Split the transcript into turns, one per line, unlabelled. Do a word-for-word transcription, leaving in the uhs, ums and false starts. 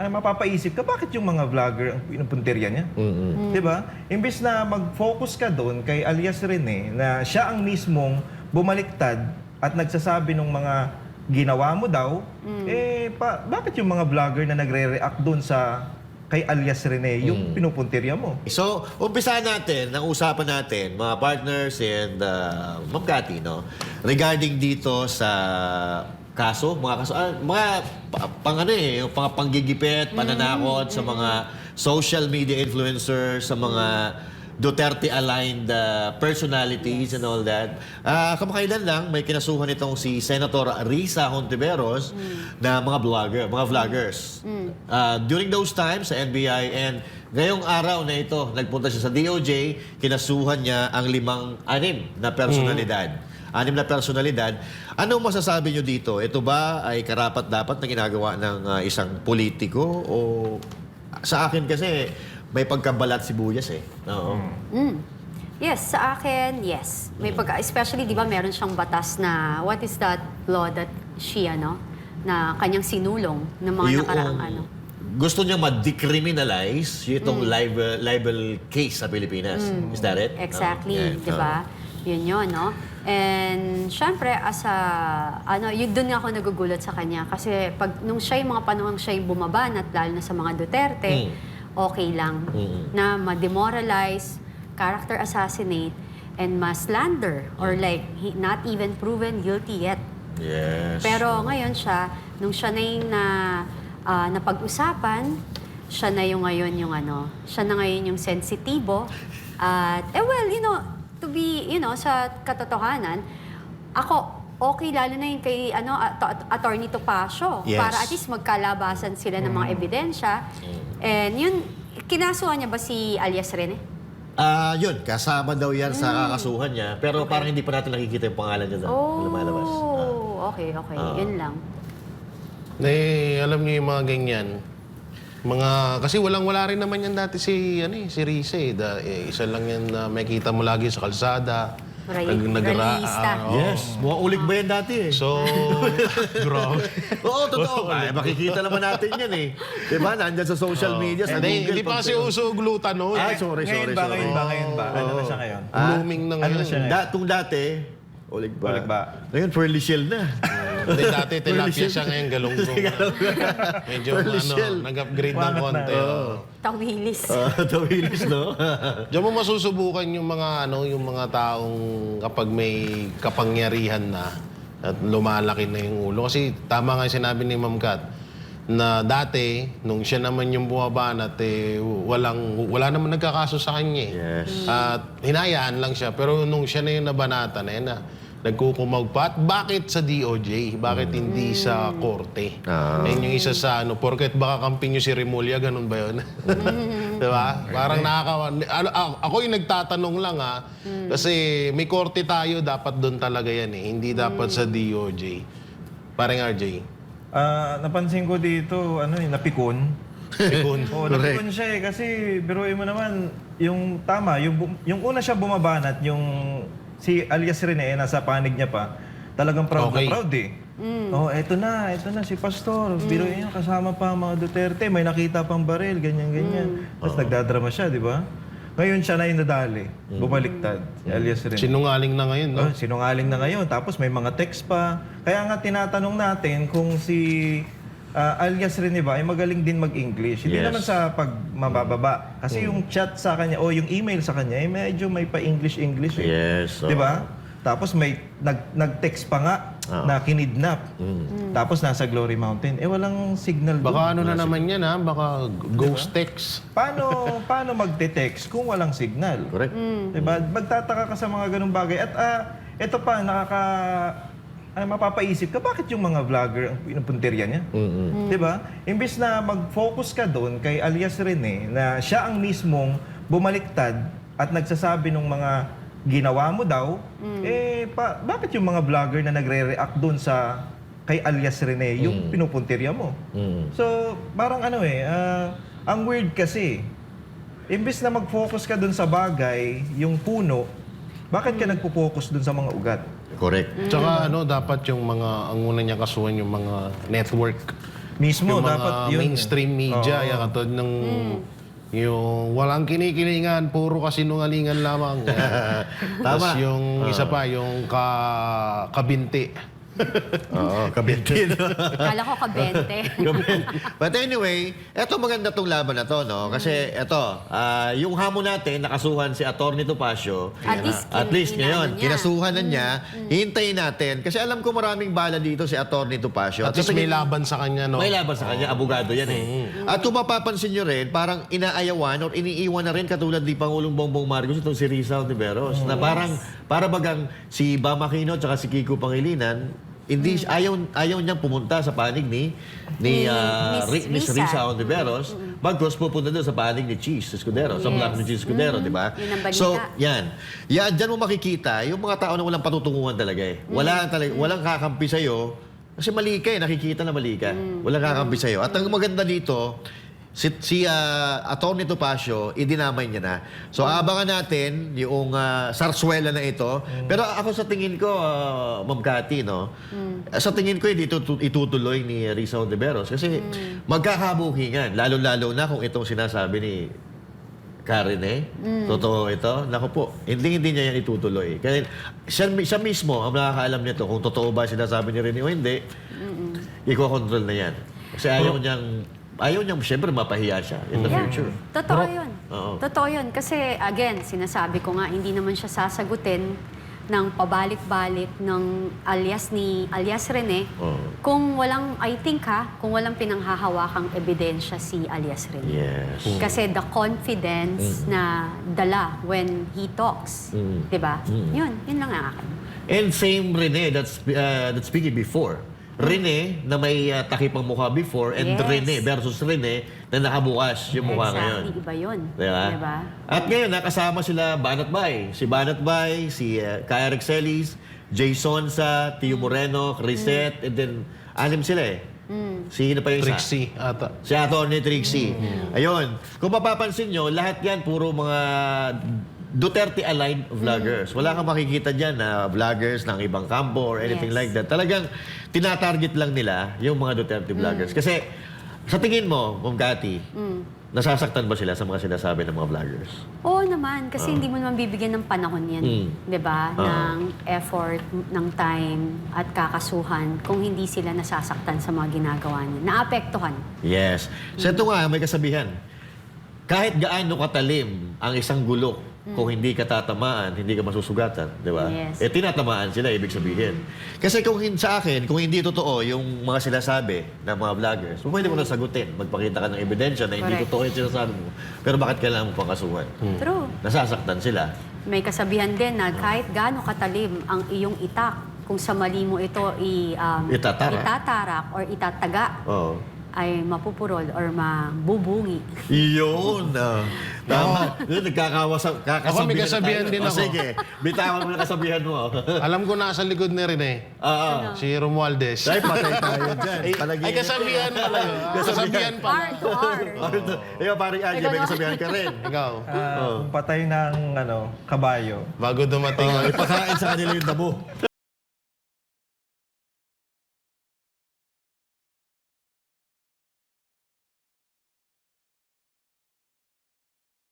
ay mapapaisip ka, bakit yung mga vlogger ang pinupunterya niya?
Mm-hmm.
Di ba? Imbes na mag-focus ka doon kay alias Rene, na siya ang mismong bumaliktad at nagsasabi ng mga ginawa mo daw, eh, pa, bakit yung mga vlogger na nagre-react doon sa kay alias Rene, yung pinupunterya mo?
So, umpisahan natin, ang usapan natin, mga partners and uh, Ma'am Cathy, no? Regarding dito sa kaso, mga kaso, ah, mga pa- pang ano eh, yung pang panggigipit, pananakot sa mga social media influencers, sa mga Duterte-aligned uh, personalities and all that. Ah, kamakailan lang, may kinasuhan itong si Senator Risa Hontiveros na mga vlogger, mga vloggers. Ah, during those times sa N B I and ngayong araw na ito, nagpunta siya sa D O J, kinasuhan niya ang limang, anim na personalidad. Anim na personalidad. Ano masasabi niyo dito? Ito ba ay karapat-dapat na ginagawa ng uh, isang politiko? O sa akin kasi, may pagkabalat sibuyas eh. Oo.
Mm. Yes, sa akin, yes. May pagka, especially, di ba, meron siyang batas na, what is that law that she, ano, na kanyang sinulong ng mga
Yung
nakaraang ano.
gusto niya ma-decriminalize itong libel, libel case sa Pilipinas. Is that it?
Exactly,
Oo. Yeah.
di ba? Yun yun, no? And, syempre, as a, ano, yun doon nga ako nagugulat sa kanya. Kasi, pag, nung siya yung mga panahon siya yung bumabanat, lalo na sa mga Duterte,
Mm.
okay lang
Mm.
na ma-demoralize, character assassinate, and ma-slander, or like, he, not even proven guilty yet.
Yes.
Pero ngayon siya, nung siya na yung na, ah, napag-usapan, siya na yung ngayon yung ano, siya na ngayon yung sensitibo. At, eh well, you know, to be, you know, sa katotohanan, ako, okay, lalo na yung kay, ano, at- at- Attorney Topacio,
Yes.
para at least magkalabasan sila ng mga ebidensya. And yun, kinasuhan niya ba si alias Rene?
Ah, yun, kasama daw yan sa kakasuhan niya. Pero parang hindi pa natin nakikita yung pangalan niya doon.
Oh,
Lumalabas. Ah.
okay, okay.
Ah.
Yun lang.
Eh, alam niyo yung mga ganyan. Mga, kasi walang-wala rin naman yan dati si, ano eh, si Rize. Eh. Da, eh, isa lang yan na makikita mo lagi sa kalsada.
Ray-
Nag- nagra-
rallyista.
ah, oo.
Yes, mukhang ulig ba yan dati eh?
So, grabe.
Oo, totoo. Ay, makikita naman natin yan eh. Diba? Nandyan sa social media, sa
Hindi,
Google.
hindi pa
pag-
kasi uso glutan no.
Ay, sorry,
Ngayon
sorry,
ba,
sorry.
ngayon ba, ngayon ba? Ano na siya ngayon?
Blooming na
Ano
ngayon.
na siya ngayon?
Da, kung dati, ulig ba?
Ulig ba?
Ngayon, Pearly Shell na.
Hindi, dati tilapia siya ngayon galunggong. Medyo
Pearly
ano,
shell.
nag-upgrade ng
Wangat na.
konti. oh.
Tawilis.
Ah, tawilis, no?
Diyan mo masusubukan yung mga ano, yung mga taong kapag may kapangyarihan na at lumalaki na yung ulo. Kasi tama nga yung sinabi ni Ma'am Kat na dati, nung siya naman yung bumabanat, eh, walang, wala naman nagkakaso sa kanya. eh.
Yes.
At hinayaan lang siya. Pero nung siya na yung nabanatan, eh, na nagkukumag pa. At bakit sa D O J? Bakit hindi sa korte?
Ah.
Ayun yung isa sa ano, porket baka kamping nyo si Remulla, ganun ba yun? Diba? Parang nakakawa. Ano, a- ako yung nagtatanong lang ha. Kasi may korte tayo, dapat doon talaga yan eh. Hindi dapat sa D O J. Parang R J.
Ah, napansin ko dito, ano eh, napikon.
Pikon.
Oo, napikon siya eh. Kasi, biruin mo naman, yung tama, yung, bu- yung una siya bumabanat, yung si alias Rene, eh, nasa panig niya pa, talagang proud
Okay.
na proud eh. Oh, eto na, eto na si Pastor. Biruin niya, kasama pa ang mga Duterte, may nakita pang baril, ganyan-ganyan. Tapos nagdadrama siya, di ba? Ngayon siya na yung nadali, bumaliktad, si alias Rene.
Sinungaling na ngayon, no?
Oh, sinungaling na ngayon. Tapos may mga text pa. Kaya nga tinatanong natin kung si ah, alias Rene ba ay magaling din mag-English. Hindi
Yes.
naman sa pagmabababa. Kasi yung chat sa kanya o yung email sa kanya ay medyo may pa-English-English. Eh.
Yes. oo.
Di ba? Tapos may nag, nag-text pa nga
Oo.
na kinidnap. Tapos nasa Glory Mountain. Eh walang signal doon.
Baka ano na naman yan, ha? Baka ghost text.
Paano paano magte-text kung walang signal?
Correct.
Diba? Magtataka ka sa mga ganung bagay. At ah, ito pa, nakaka... Ano, mapapaisip ka, bakit yung mga vlogger ang pinupunterya niya?
Mm-mm.
Diba? Imbis na mag-focus ka doon kay alias Rene, na siya ang mismong bumaliktad at nagsasabi ng mga ginawa mo daw, eh, pa, bakit yung mga vlogger na nagre-react doon sa kay alias Rene, yung pinupunterya mo?
Mm.
So, parang ano eh, ah, ang weird kasi, imbis na mag-focus ka dun sa bagay, yung puno, bakit ka nagpo-focus dun sa mga ugat?
Correct.
Tsaka ano, dapat yung mga, ang una niya kasuhan yung mga network.
Mismo,
yung mga
dapat yun.
mainstream media,
Oo.
yung katulad ng yung walang kinikilingan, puro kasinungalingan lamang. Tapos yung isa pa, yung ka, kabinti.
Oo, kabinti. no?
Kala ko kabente.
But anyway, eto maganda tong laban na to, no? Kasi eto, ah, yung hamon natin, nakasuhan si Atty. Topacio.
At least
At
kin-
least
inano
ngayon,
niya.
kinasuhan na niya. Hintayin natin. Kasi alam ko maraming bala dito si Atty. Topacio.
At least
sa
may
tingin-
laban sa kanya, no?
May laban sa kanya, abogado yan eh. At kung mapapansin nyo rin, parang inaayawan or iniiwan na rin katulad ni Pangulong Bongbong Marcos itong si Rizal Tiberos. Na parang, para bagang si Bam Aquino at si Kiko Pangilinan, hindi ayaw ayaw niyang pumunta sa panig ni ni
Ni
ah,
Miss
Ri- Miss
Risa.
Risa Ontiveros, bagkus pupunta doon sa panig ni Cheese Escudero, sa
Yes.
block ni Cheese Escudero, di ba?
Yun ang balita.
So, yan. Yan, dyan mo makikita yung mga tao na walang patutunguhan talaga eh. Wala talaga, walang kakampi sa'yo. Kasi mali ka eh, nakikita na mali ka. Walang kakampi sa'yo. At ang maganda dito, si, si uh, Atty. Topacio, idinamay niya na. So, abangan natin yung ah, sarswela na ito. Pero ako sa tingin ko, uh, Ma'am Cathy, no? Sa tingin ko, hindi ito tu- itutuloy ni Risa Ontiveros. Kasi magkakabukingan. Lalo-lalo na kung itong sinasabi ni Karen eh. Totoo ito. Naku po, hindi hindi niya yan itutuloy. Kaya siya, siya mismo ang nakakaalam nito kung totoo ba sinasabi ni Rene o hindi. Iko-control na yan. Kasi ayaw niyang, ayaw niyang siyempre mapahiya siya in the
Yeah.
future.
Totoo yun.
Oo.
Totoo yun. Kasi, again, sinasabi ko nga, hindi naman siya sasagutin ng pabalik-balik ng alias ni alias Rene
Oo.
kung walang, I think ha, kung walang pinanghahawakang ebidensya si alias Rene.
Yes.
Kasi the confidence na dala when he talks,
Mm.
'di ba?
Mm.
Yun, yun lang ang akin.
And same Rene that's uh, that's speaking before. Rene na may uh, takipang mukha before and
Yes.
Rene versus Rene na nakabukas yung mukha ngayon.
Exactly, iba yun.
Diba?
Diba?
At ngayon, nakasama sila Banat Bay. Si Banat Bay, si uh, Kaya Rexelis, Jason sa Tio Moreno, Crisette, and then anim sila eh. Sino pa yung isa?
Trixie ata.
Si Atty. Trixie. Ayun. Kung mapapansin nyo, lahat yan puro mga Duterte-aligned vloggers. Wala kang makikita dyan na vloggers ng ibang kampo or anything
Yes.
like that. Talagang tinatarget lang nila yung mga Duterte vloggers. Kasi sa tingin mo, Ma'am Cathy, nasasaktan ba sila sa mga sinasabi ng mga vloggers?
Oo naman, kasi hindi mo naman bibigyan ng panahon yan,
Mm.
'di ba?
Oo.
Ng effort, ng time at kakasuhan kung hindi sila nasasaktan sa mga ginagawa niya. Naapektuhan.
Yes. So ito nga, may kasabihan. Kahit gaano katalim ang isang gulok, kung hindi ka tatamaan, hindi ka masusugatan, di ba?
Yes.
Eh, tinatamaan sila, ibig sabihin. Kasi kung hin- sa akin, kung hindi totoo yung mga sinasabi ng mga vloggers, pwede mo na sagutin. Magpakita ka ng ebidensya na hindi
Correct.
totoo yung sinasabi mo. Pero bakit kailangan mo pang kasuhan?
True.
Nasasaktan sila.
May kasabihan din na kahit gaano katalim ang iyong itak, kung sa mali mo ito i, um,
Itatarak.
itatarak or itataga,
Oo.
ay mapupurol or mabubungi.
Iyon. ah. Tama. Yun, nagkakawasa, kakasabihan
Ako, may kasabihan
tayo.
din
O,
ako.
sige, bitawan mo na kasabihan mo.
Alam ko nasa likod ni Rene,
Oo.
si Romualdez.
Ay, patay tayo dyan.
Ay, kasabihan pala yun. Kasabihan pala.
R to R.
Ikaw, parang Angie, may kasabihan ka rin.
Ikaw,
Ah, kung patay ng ano, kabayo,
bago dumating ang
Ipakain sa kanila yung damo.